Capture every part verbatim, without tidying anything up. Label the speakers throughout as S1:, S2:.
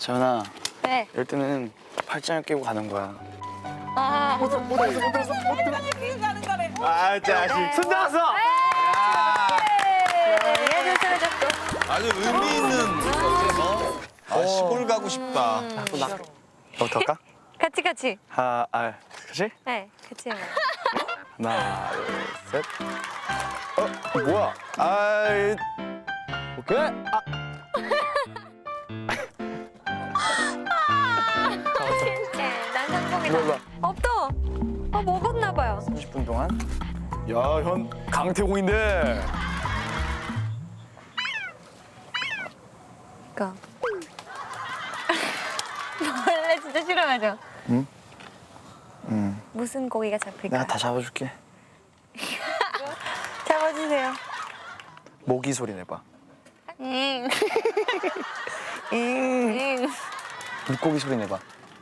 S1: 재현아.
S2: 네.
S1: 이럴 때는 팔짱을 끼고 가는 거야.
S2: 아.
S1: 못 들었어, 못 들었어, 못 들었어, 못 들었어.
S2: 끼고 가는 거래.
S1: 아, 자식. 손 나왔어!
S2: 얘도 쓰러졌고.
S3: 아주 의미 있는 어? 아, 시골 가고 싶다.
S1: 너부터 할까?
S2: 같이 같이.
S1: 하, 아, 그치?
S2: 네, 같이 해요.
S1: 하나, 둘, 셋. 어, 뭐야? 아이. 오케이. 아.
S2: 진짜 난 성공이다.
S1: 일로 와.
S2: 없어. 어 먹었나 봐요.
S1: 삼십 분 동안. 야, 현 강태공인데.
S2: 그니까. 원래 진짜 싫어하죠?
S1: 응? 응.
S2: 무슨 고기가 잡힐까?
S1: 내가 다 잡아줄게.
S2: 잡아주세요.
S1: 모기 소리 내봐.
S2: 응.
S1: 응.
S2: 응.
S1: 물고기 소리 내봐.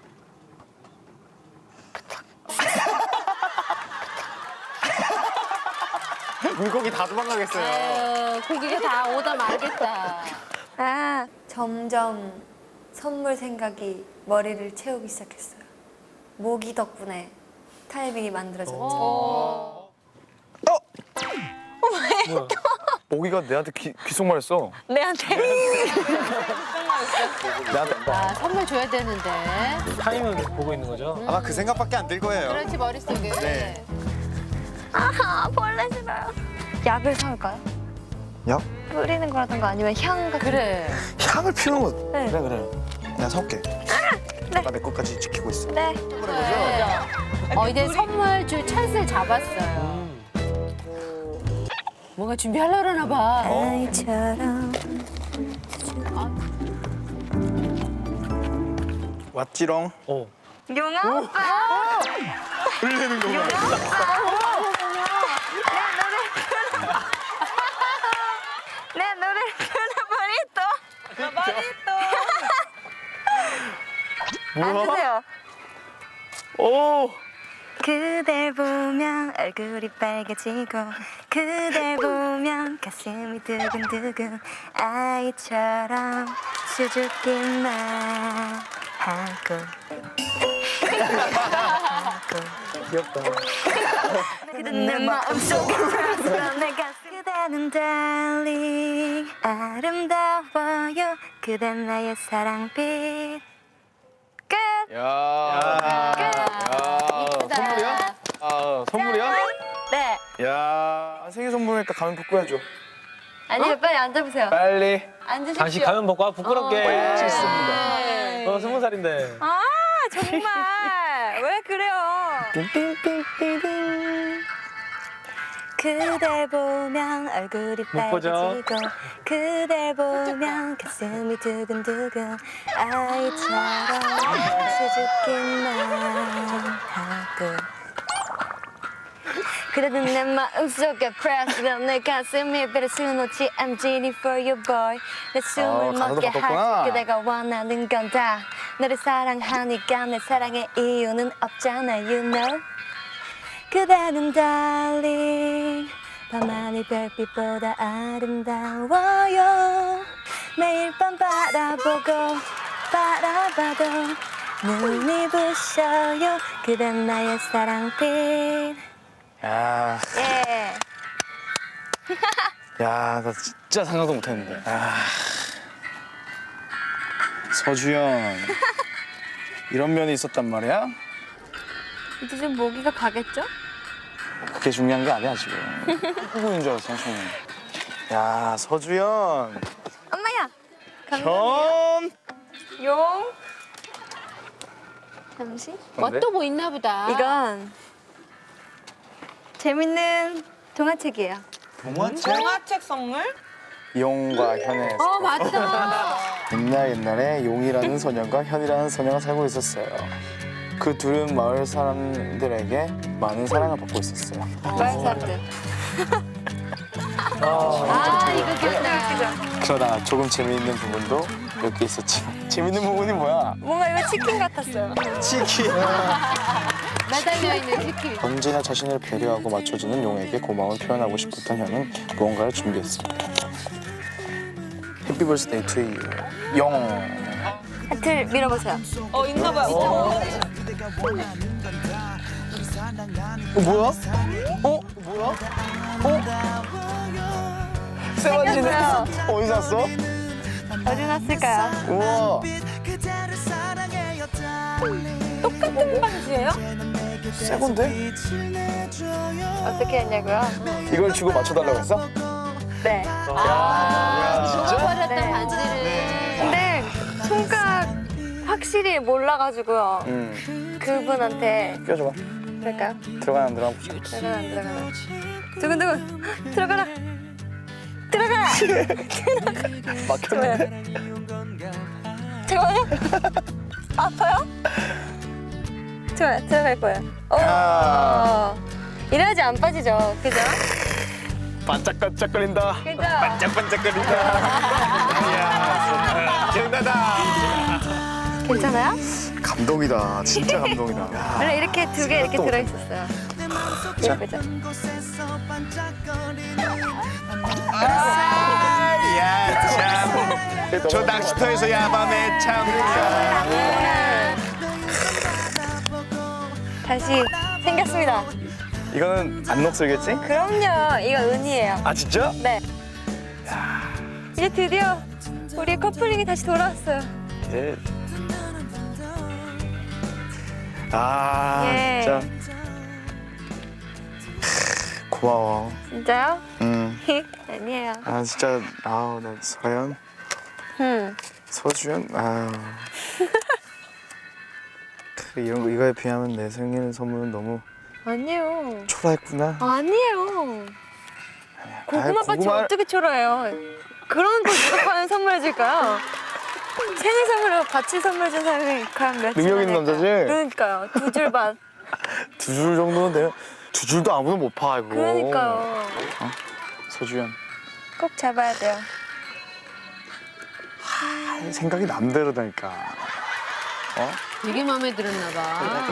S1: 물고기 다 도망가겠어요.
S4: 아유, 고기가 다 오다 말겠다.
S2: 아, 점점 선물 생각이 머리를 채우기 시작했어요. 모기 덕분에 타이밍이 만들어졌죠.
S1: 어? 모기가 내한테 기, 귓속말했어.
S2: 내한테.
S1: 내한테.
S4: 아, 선물 줘야 되는데.
S5: 타임을 보고 있는 거죠?
S3: 아마 그 생각밖에 안 들 거예요.
S4: 그렇지, 머릿속에.
S3: 네.
S2: 아, 벌레 싫어요. 약을 사올까요?
S1: 야,
S2: 뿌리는 거라든가 아니면 향 같은
S4: 그래.
S1: 향을 피우는 거.
S2: 네.
S1: 그래, 그래. 내가 사올게. 내가 내 것까지 지키고 있어.
S2: 네.
S4: 네. 어, 이제 선물 줄 찬스를 잡았어요. 뭔가 준비하려고 그러나 봐.
S2: 아이처럼.
S1: 왔지롱.
S5: 어.
S2: 용아 오빠.
S1: 흘리는 거구나.
S2: 내 노래를 부르는 머리또.
S1: 뭐야?
S2: 앉으세요.
S1: 오.
S2: 그댈 보면 얼굴이 빨개지고 그댈 보면 가슴이 두근두근 아이처럼 수줍기만 하고
S1: 귀엽다.
S2: 그댄 내 마음속에 살아 내 가슴 그대는 달리 아름다워요 그댄 나의 사랑빛 끝.
S1: 야. 야.
S4: 이쁘다.
S1: 선물이야? 아, 선물이야?
S2: 네.
S1: 야, 생일 선물이니까 가면 벗고 해줘.
S2: 아니요 빨리 앉아보세요.
S1: 빨리.
S2: 앉으십시오.
S5: 당신 가면 벗고 아, 부끄럽게.
S4: 어,
S5: 좋습니다. 어, 스무 살인데.
S2: 아 정말 왜 그래요?
S1: 띵띵띵띵띵.
S2: 그댈 보면 얼굴이
S5: 못 보죠?
S2: 빨개지고 그댈 보면 가슴이 두근두근 아이처럼 수줍기만 하고 그래도 내 마음속에 pressed 내 가슴이 배를 수놓지 I'm genie for you boy 내
S1: 어,
S2: 숨을
S1: 가사도
S2: 멎게
S1: 바꿨구나.
S2: 하지 그대가 원하는 건 다 너를 사랑하니까 내 사랑의 이유는 없잖아 you know 그대는 달리 밤하늘 별빛보다 아름다워요 매일 밤 바라보고 바라봐도 눈이 부셔요 그댄 나의 사랑빛
S1: 야,
S2: 예.
S1: 야, 나 진짜 생각도 못했는데. 아. 서주연. 이런 면이 있었단 말이야?
S2: 이제 좀 모기가 가겠죠?
S1: 그게 중요한 게 아니야 지금. 후보인 줄 알았어, 처음에. 야, 서주연.
S2: 엄마야
S1: 현.
S2: 용 잠시
S4: 뭐 또 뭐 있나 보다.
S2: 이건 재밌는 동화책이에요.
S1: 동화책?
S6: 동화책 선물?
S1: 용과 현의
S4: 어, 맞다.
S1: 옛날 옛날에 용이라는 소년과 현이라는 소녀가 살고 있었어요. 그 둘은 마을 사람들에게 많은 사랑을 받고 있었어요.
S2: 마을 사람들.
S4: 아, 이거 귀엽다.
S1: 그러나 조금 재미있는 부분도 몇 개 있었지. 재미있는 부분이 뭐야?
S2: 뭔가 이거 치킨 같았어요.
S1: 치킨.
S4: 매달려 있는 치킨.
S1: 언제나 자신을 배려하고 맞춰주는 용에게 고마움을 표현하고 싶었던 현은 무언가를 준비했습니다. Happy birthday to you. 용.
S2: 하트. 벨 밀어보세요.
S6: 어 있나 봐요.
S1: 어 뭐야? 어 뭐야? 어? 세반지네. 어디서 샀어?
S2: 어디 놨을까요?
S1: 우와.
S6: 똑같은 반지예요?
S1: 새 건데?
S2: 어떻게 했냐고요?
S1: 이걸 주고 맞춰달라고 했어?
S2: 네.
S4: 아, 잃어버렸던
S2: 네.
S4: 반지를.
S2: 근데 손가락 확실히 몰라가지고요.
S1: 응.
S2: 그분한테
S1: 껴줘봐.
S2: 그럴까요?
S1: 들어가나 안 들어가나 보자.
S2: 들어가나 안 들어가나. 두근두근 들어가라. 들어가라.
S1: 막혔는데?
S2: 잠깐만요. 아파요? 좋아요. 들어갈 거예요. 오.
S1: 야.
S2: 이래야지 안 빠지죠. 그죠?
S1: 반짝반짝거린다.
S2: 그죠?
S1: 반짝반짝거린다. 이야, 기억나다.
S2: 괜찮아요?
S1: 감동이다. 진짜 감동이다.
S2: 원래 이렇게 두 개 이렇게
S1: 또
S2: 들어있었어요.
S1: 자.
S2: 예쁘죠?
S3: 야, 참. 저 낚시터에서 야밤에 참.
S2: 다시 생겼습니다.
S1: 이거는 안 녹슬겠지?
S2: 그럼요. 이거 은이에요.
S1: 아 진짜?
S2: 네. 이제 드디어 우리의 커플링이 다시 돌아왔어요.
S1: 예. 아
S2: 예.
S1: 진짜 고마워.
S2: 진짜요?
S1: 응.
S2: 아니에요.
S1: 아 진짜 아우 나 서연,
S2: 음.
S1: 서주연 아우. 그 이런 거 이거에 비하면 내 생일 선물은 너무
S2: 아니에요.
S1: 초라했구나.
S2: 아니에요. 고구마 밭이
S1: 고구마를-
S2: 어떻게 초라해요? 그런 걸 누가 과연 선물해 줄까요? 생일 선물로 밭을 선물해 준 사람이 과연 몇
S1: 능력 있는
S2: 줄
S1: 남자지?
S2: 그러니까요. 두 줄 밭.
S1: 두 줄 정도는 돼요. 두 줄도 아무도 못 파 이거.
S2: 그러니까요.
S1: 서주연.
S2: 꼭 잡아야 돼요.
S1: 아, 생각이 남대로다니까. 어?
S4: 되게 마음에 들었나 봐.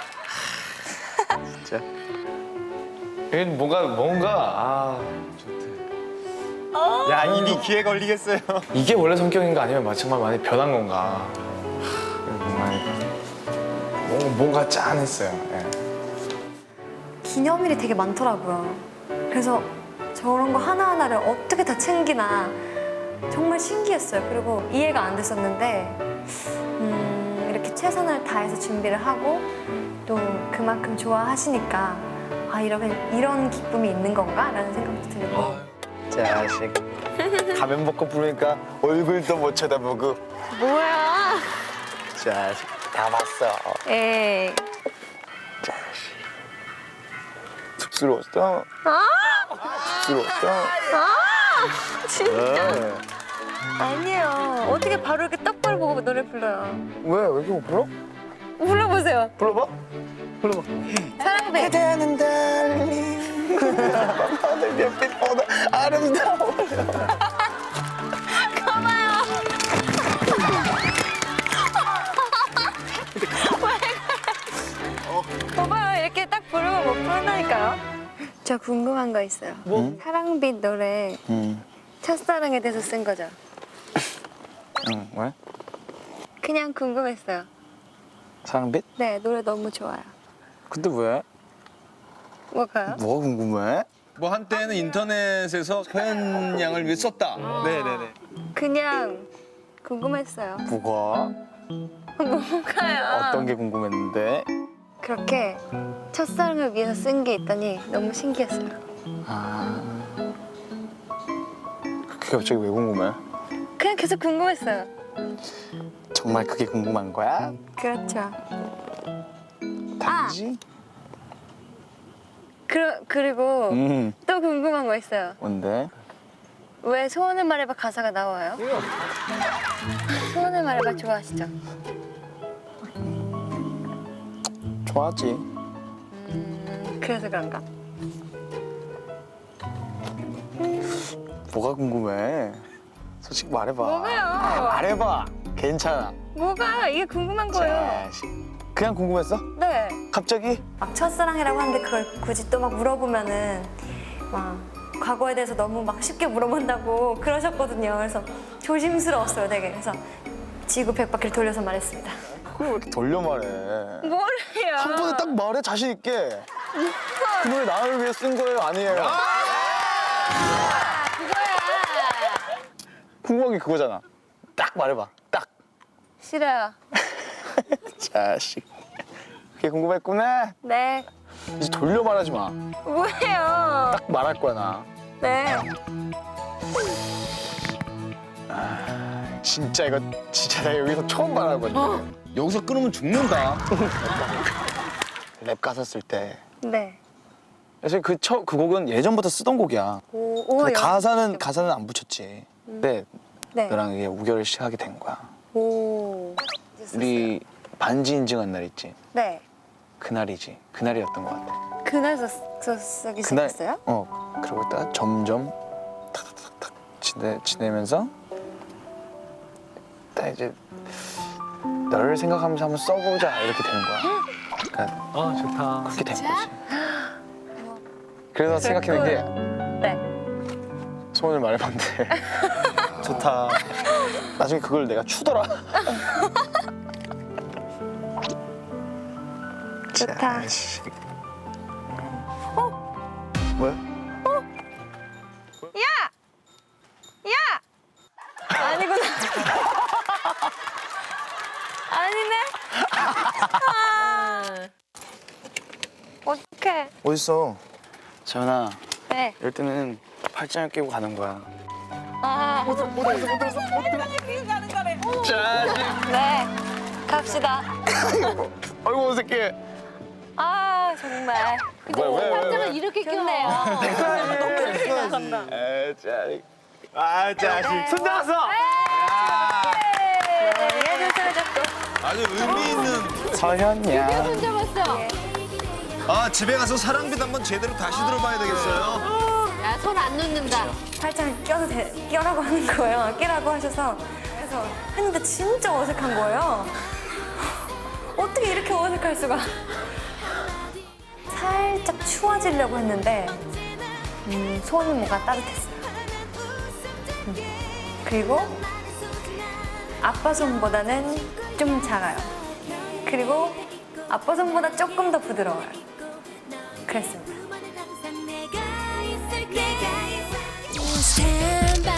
S1: 진짜. 이건 뭔가 뭔가 아 좋대.
S3: 야, 이미 귀에 걸리겠어요.
S1: 이게 원래 성격인가 아니면 정말 많이 변한 건가? 하, 뭔가 뭔가 짠했어요. 예.
S2: 기념일이 되게 많더라고요. 그래서 저런 거 하나하나를 어떻게 다 챙기나 정말 신기했어요. 그리고 이해가 안 됐었는데 음, 이렇게 최선을 다해서 준비를 하고 또 그만큼 좋아하시니까 아 이런 이런 기쁨이 있는 건가? 라는 생각도 들고
S1: 자식. 가면 벗고 부르니까 얼굴도 못 쳐다보고.
S2: 뭐야?
S1: 자식. 다 봤어.
S2: 에이
S1: 자식. 쑥스러웠어.
S2: 아?
S1: 쑥스러웠어.
S2: 아! 진짜
S1: 네.
S2: 아니에요. 어떻게 바로 이렇게 떡벌 보고 노래 불러요?
S1: 왜? 왜 이렇게 못 불러?
S2: 불러보세요.
S1: 불러봐. 불러봐.
S2: 사랑배.
S1: 그대는 달리 밤하늘 별빛보다 아름다워.
S2: 봐봐요. 이렇게 딱 부르면 못 부른다니까요. 저 궁금한 거 있어요.
S1: 뭐?
S2: 사랑빛 노래
S1: 응.
S2: 첫사랑에 대해서 쓴 거죠?
S1: 응. 왜?
S2: 그냥 궁금했어요.
S1: 사랑빛?
S2: 네, 노래 너무 좋아요.
S1: 근데 왜?
S2: 뭐가요?
S1: 뭐가 궁금해?
S3: 뭐 한때는 인터넷에서 서현 양을 위해 썼다.
S1: 네네네.
S2: 그냥 궁금했어요.
S1: 뭐가?
S2: 뭐가요?
S1: 어떤 게 궁금했는데?
S2: 그렇게 첫사랑을 위해서 쓴 게 있다니 너무 신기했어요.
S1: 아. 그게 갑자기 왜 궁금해?
S2: 그냥 계속 궁금했어요.
S1: 정말 그게 궁금한 거야?
S2: 그렇죠.
S1: 단지?
S2: 그, 그리고
S1: 음.
S2: 또 궁금한 거 있어요.
S1: 뭔데?
S2: 왜 소원을 말해봐 가사가 나와요? 소원을 말해봐 좋아하시죠?
S1: 좋아하지.
S2: 음, 그래서 그런가?
S1: 뭐가 궁금해? 솔직히 말해봐.
S2: 뭐가요?
S1: 말해봐. 괜찮아.
S2: 뭐가? 이게 궁금한 거예요.
S1: 자식. 그냥 궁금했어?
S2: 네.
S1: 갑자기?
S2: 막 첫사랑이라고 하는데 그걸 굳이 또 막 물어보면은 막 과거에 대해서 너무 막 쉽게 물어본다고 그러셨거든요. 그래서 조심스러웠어요, 되게. 그래서 지구 백 바퀴를 돌려서 말했습니다.
S1: 그걸 왜 이렇게 돌려 말해?
S6: 뭐래요?
S1: 한 번에 딱 말해 자신 있게. 그 노래 나를 위해 쓴 거예요, 아니에요?
S4: 그거야.
S1: 궁금한 게 그거잖아. 딱 말해봐. 딱.
S2: 싫어요.
S1: 자식. 그게 궁금했구나.
S2: 네.
S1: 이제 돌려 말하지 마.
S6: 뭐예요?
S1: 딱 말할 거야 나.
S2: 네.
S1: 진짜 이거 진짜 나 여기서 처음 말하거든.
S3: 여기서 끊으면 죽는다.
S1: 랩 가사 쓸 때.
S2: 네.
S1: 사실 그, 처, 그 곡은 예전부터 쓰던 곡이야.
S2: 오, 오,
S1: 근데
S2: 여-
S1: 가사는 가사는 안 붙였지. 근데
S2: 네.
S1: 너랑 이게 우결을 시작하게 된 거야.
S2: 오.
S1: 우리 반지 인증한 날 있지.
S2: 네.
S1: 그날이지. 그날이었던 것 같아.
S2: 그날 써, 써, 쓰기
S1: 그날
S2: 시작했어요?
S1: 어 그러고 있다가 점점 탁탁탁탁 지내 지내면서 딱 이제 너를 생각하면서 한번 써보자 이렇게 되는 거야. 그러니까
S5: 아 좋다.
S1: 그렇게 된 거지. 그래서 생각해낸 게
S2: 네.
S1: 소원을 말해봤는데 좋다. 나중에 그걸 내가 추더라.
S2: 좋다.
S1: 자식. 뭐야?
S6: 야! 야!
S2: 아니구나. 아니네. 아. 어떡해.
S1: 어딨어? 재현아,
S2: 네.
S1: 이럴 때는 팔짱을 끼고 가는 거야.
S2: 아.
S6: 그게 가는 거래.
S1: 자식.
S2: 네. 갑시다.
S1: 아이고 어색해.
S2: 아, 정말.
S1: 왜, 왜, 왜,
S4: 팔짱을
S1: 왜?
S4: 이렇게
S2: 좋네요.
S4: 껴요.
S6: 간다.
S1: 아, 자식.
S5: 아 자식 손 잡았어.
S2: 얘도 사라졌고.
S3: 아주 의미 있는.
S1: 서현이야.
S4: 손 잡았어.
S3: 아 집에 가서 사랑빛 한번 제대로 다시 들어봐야 되겠어요.
S4: 야, 손 안 놓는다.
S2: 팔짱 껴도 돼, 껴라고 하는 거예요. 끼라고 하셔서. 그래서 했는데 진짜 어색한 거예요. 어떻게 이렇게 어색할 수가. 살짝 추워지려고 했는데 음, 손은 뭔가 따뜻했어요. 음. 그리고 아빠 손보다는 좀 작아요. 그리고 아빠 손보다 조금 더 부드러워요. 그랬습니다.
S7: Stand by